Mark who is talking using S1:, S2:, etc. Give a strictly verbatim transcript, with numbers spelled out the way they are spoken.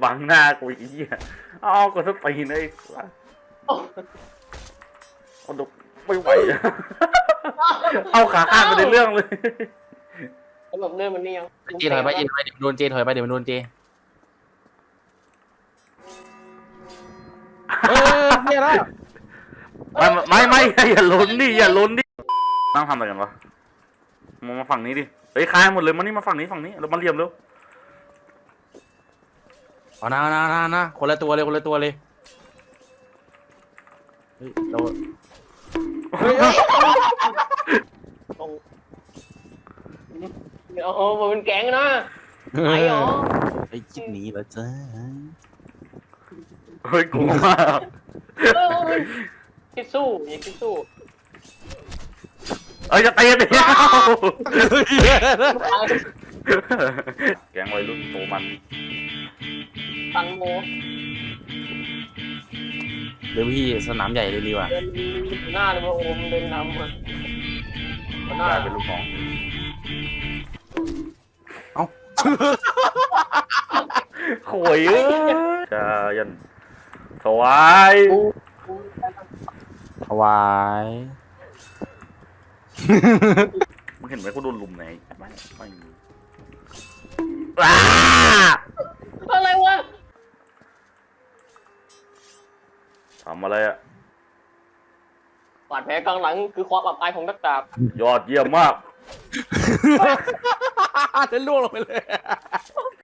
S1: บังหน้ากูอีกเหี้ยอ้าวกูสตีนไอ้เอาดกไม่ไหวเอาขาข้างไปในเรื่องเลย
S2: แบบเรื่องมันนี่ยัง
S3: เจถอยไปเจถอยไปเดี๋ยวมันโดนเจถอยไปเดี๋ยวมันโดนเจเออเนี่ยละ
S1: ไม่ไม่ไม่อย่าล้นดิอย่าล้นดินั่งทำอะไรกันวะมามาฝั่งนี้ดิเฮ้ยคลายหมดเลยมานี่มาฝั่งนี้ฝั่งนี้เรามาเรียมเร็ว
S3: เอานะนะนะนะคนละตัวเลยคนละตัวเลยเฮ้ยเราเฮ้ย
S2: โอ้โหมันเป็นแก๊งนะไอ้หรอ
S3: ไอ้คิดหนีแล้วจ้า
S1: เฮ้ยกลัวมาก
S2: เออคิดสู้อย่าคิดสู้
S1: เอ้ยจะตีกันดิแกงวัยรุ่นโตมัน
S2: ตังโม
S3: เดี๋ยวพี่สนามใหญ่เลยดีกว่า
S2: เดินหน้าเลยว่าโอมเดินนำมันหน้าก
S1: ลายเป็นลูกน้อง
S3: เอ้า
S1: โขยเอ้ยจะยันถวาย
S3: ถวาย
S1: มึงเห็นไหมกูโดนลุมไหนไม่ไม่ว้า
S2: อะไรวะ
S1: ทำอะไรอะ
S2: บาดแผลกลางหลังคือความอับอายของนักดาบ
S1: ยอดเยี่ยมมาก
S3: จะล่วงลงไปเลย